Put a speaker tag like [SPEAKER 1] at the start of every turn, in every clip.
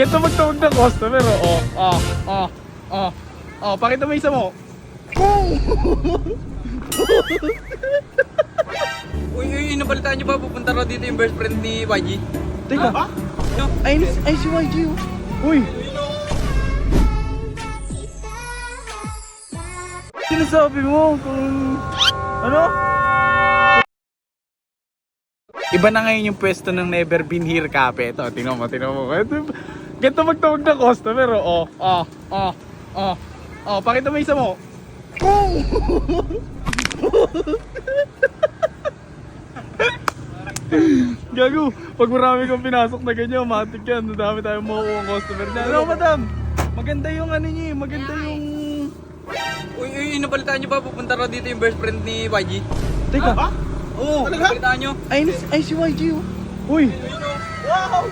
[SPEAKER 1] Ito magtawag ng customer, pakita mo isa mo.
[SPEAKER 2] Uy, nabalitaan niyo ba? Pupunta raw dito yung best friend ni YG.
[SPEAKER 1] Teka, ay si YG oh. Uy! Sinasabi mo kung ano? Iba na ngayon yung pwesto ng Never Been Here Cafe. Ito, tingnan mo. Ganito magtawag ng customer, pakita mo isa mo. Gago, pag marami kang pinasok na ganyan, matik yan. Madami tayong makukuha ang customer niya. Ano, madam? Maganda yung ano niya, maganda yung...
[SPEAKER 2] Uy, nabalitaan niyo ba? Pupunta raw dito yung best friend ni YG.
[SPEAKER 1] Teka,
[SPEAKER 2] Oo, nabalitaan niyo.
[SPEAKER 1] ay si YG oh. Uy!
[SPEAKER 2] Wow!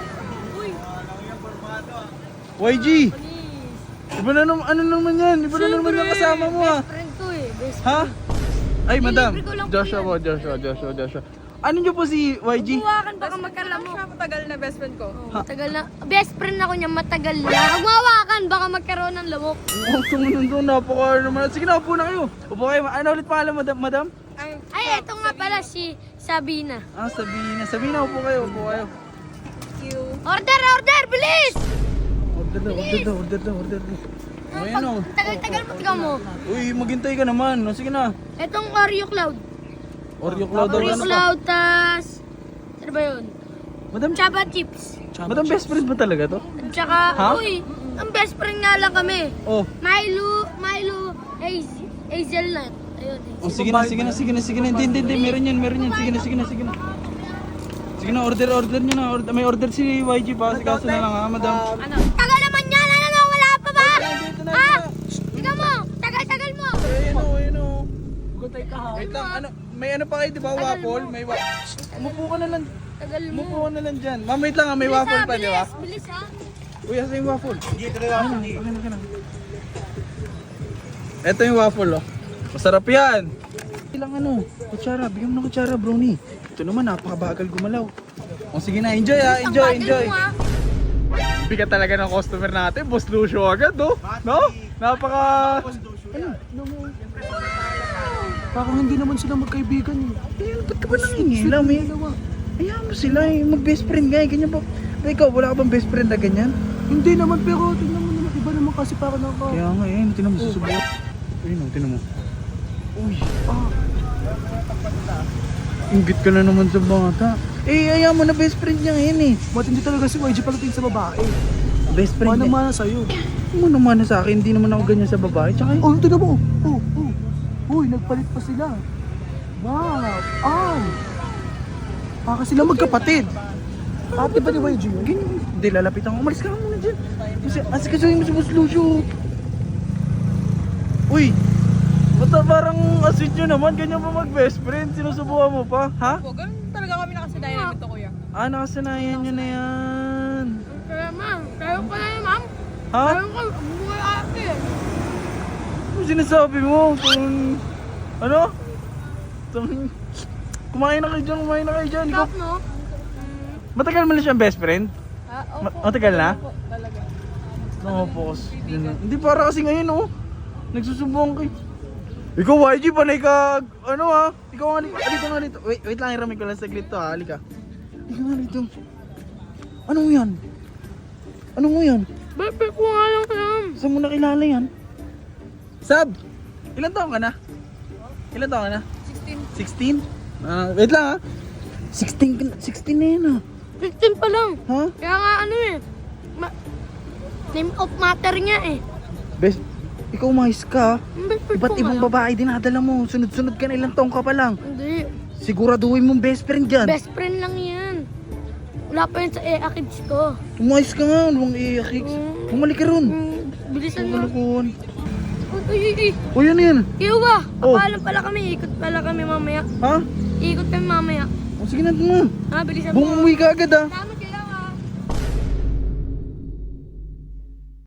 [SPEAKER 1] YG! Iba na naman, ano naman yan? Iba na naman yung kasama mo ah.
[SPEAKER 3] Best friend ko eh. Best
[SPEAKER 1] Ha? Ay, madam.
[SPEAKER 3] Nilibre ko lang po
[SPEAKER 1] Joshua. Ano nyo po si YG?
[SPEAKER 3] Huwakan baka magkala mo.
[SPEAKER 4] Matagal na best friend ko.
[SPEAKER 3] Matagal na. Best friend ako niya, matagal na. Huwag mawakan, baka magkaroon ng lamok.
[SPEAKER 1] Ang tumunod doon, napaka naman. Sige na, upo na kayo. Upo kayo. Ano ulit pangalan, madam?
[SPEAKER 3] Ay, eto nga pala si Sabina.
[SPEAKER 1] Ah, Sabina, upo kayo.
[SPEAKER 3] Order, bilis!
[SPEAKER 1] Order na. Ayan o.
[SPEAKER 3] Tagal-tagal mo, ikaw mo.
[SPEAKER 1] Uy, maghintay ka naman. O, sige na.
[SPEAKER 3] Etong Oreo Cloud.
[SPEAKER 1] Oreo Cloud.
[SPEAKER 3] Oreo
[SPEAKER 1] Ano ka?
[SPEAKER 3] Cloud, tas... Ano ba yun?
[SPEAKER 1] Madam,
[SPEAKER 3] Chaba Chips.
[SPEAKER 1] madam, best friend ba talaga to?
[SPEAKER 3] At saka,
[SPEAKER 1] Ha?
[SPEAKER 3] uy, ang best friend nga lang kami.
[SPEAKER 1] Oh.
[SPEAKER 3] Milo, Hazelnut. Ayun,
[SPEAKER 1] Oh, sige na. Hindi. Meron yan. Sige na. Sige na, order nyo na. May order si YG pa. Kasi kaso na lang ha, madam.
[SPEAKER 3] Tagal naman yan! Ano? Wala pa ba?
[SPEAKER 1] Dito na.
[SPEAKER 3] Ha? Ikaw mo! Tagal mo!
[SPEAKER 1] Ayun o. Wait lang, may ano pa kayo, di ba? Waffle? May umupo ka na lang.
[SPEAKER 3] Tagal mo.
[SPEAKER 1] Umupo ka na lang dyan. Ma'am, wait lang ha, may waffle pa, di ba?
[SPEAKER 3] Bilis ha?
[SPEAKER 1] Uy, asa yung waffle? Okay na. Ito yung waffle, oh. Masarap yan. Ilang ano, kutsara. Bigyan mo ng kutsara, brownie. Ito naman, napakabagal gumalaw. O sige na, enjoy ha, enjoy. Bigat talaga ng customer natin, Boss Lucio agad, no? Napaka...
[SPEAKER 5] Parang hindi naman sila magkaibigan eh.
[SPEAKER 1] Ayun, ba't ka ba nangingilam eh? Ayaw mo sila eh, mag-best friend nga eh, ganyan ba? Ikaw, wala ka bang best friend na ganyan?
[SPEAKER 5] Hindi naman, pero tingnan mo naman, iba naman kasi parang ako.
[SPEAKER 1] Kaya nga eh, tinan mo, susubukan. Ayun o, tinan mo. Uy, Inggit ka na naman sa bata. Eh, ayaw mo na best friend niya ngayon eh.
[SPEAKER 5] Matindi talaga si YG pagdating sa babae.
[SPEAKER 1] Best friend niya.
[SPEAKER 5] Mana-mana sa'yo.
[SPEAKER 1] Mana sa akin, hindi naman ako ganyan sa babae. Tsaka
[SPEAKER 5] Oh, tingnan mo. Uy, nagpalit pa sila. Wow. Baka sila magkapatid. Ate ba ni YG yun?
[SPEAKER 1] ganyan. Hindi, lalapitan ko. Umalis ka muna dyan. Kasi, asikasuhin mo si Boss Lucio. Uy, basta parang aswit nyo naman. Ganyan pa mag-best friend. Sinusubukan mo pa, ha?
[SPEAKER 4] Po, ganun talaga kami nakasadayan nito, kuya.
[SPEAKER 1] Ah, nakasanayan nyo na yan.
[SPEAKER 3] Kaya ma'am, kaya ko na yun ma'am.
[SPEAKER 1] Ha?
[SPEAKER 3] Kaya ko, buhay ate.
[SPEAKER 1] Ano sinasabi mo? Kung... Ano? Kumain na kayo dyan. Ikaw,
[SPEAKER 3] Stop no?
[SPEAKER 1] matagal mo na siyang best friend? Matagal na?
[SPEAKER 4] Talaga.
[SPEAKER 1] Oo, focus. Hindi para kasi ngayon, oh. Nagsusumbong kayo. Ikaw, YG, panay ka, ano ha? Ikaw nga dito. Wait lang, iramay ko lang saglit to ha. Halika. Ikaw nga dito. Ano mo yan?
[SPEAKER 3] Bebe ko nga lang ma'am.
[SPEAKER 1] Saan mo nakilala yan? Sab! Ilan taon ka na? 16. 16? Wait lang ha. 16 na yan ha.
[SPEAKER 3] 15 pa lang.
[SPEAKER 1] Ha?
[SPEAKER 3] Kaya nga ano eh. Name of matter niya eh.
[SPEAKER 1] Best, ikaw umayos ka ha.
[SPEAKER 3] Best friend
[SPEAKER 1] Iba't
[SPEAKER 3] ko nga
[SPEAKER 1] ibang
[SPEAKER 3] lang.
[SPEAKER 1] babae dinadala mo. Sunod-sunod ka na, ilang taong ka pa lang.
[SPEAKER 3] Hindi.
[SPEAKER 1] Siguraduhin mong best friend dyan.
[SPEAKER 3] Best friend lang yan. Wala pa yun sa kids ko.
[SPEAKER 1] Umayos ka nga, huwag iiyakiks. Bumalik ka ron.
[SPEAKER 3] Bilisan mo.
[SPEAKER 1] Malakon.
[SPEAKER 3] Uy.
[SPEAKER 1] O yan yan.
[SPEAKER 3] Iyo ba?
[SPEAKER 1] Oh.
[SPEAKER 3] Papaalam pala kami. Ikot pala kami mamaya.
[SPEAKER 1] Ha?
[SPEAKER 3] Ikot kami mamaya.
[SPEAKER 1] O sige na mo.
[SPEAKER 3] Ha, bilisan mo.
[SPEAKER 1] Bumuwi ka agad ha.
[SPEAKER 3] Salamat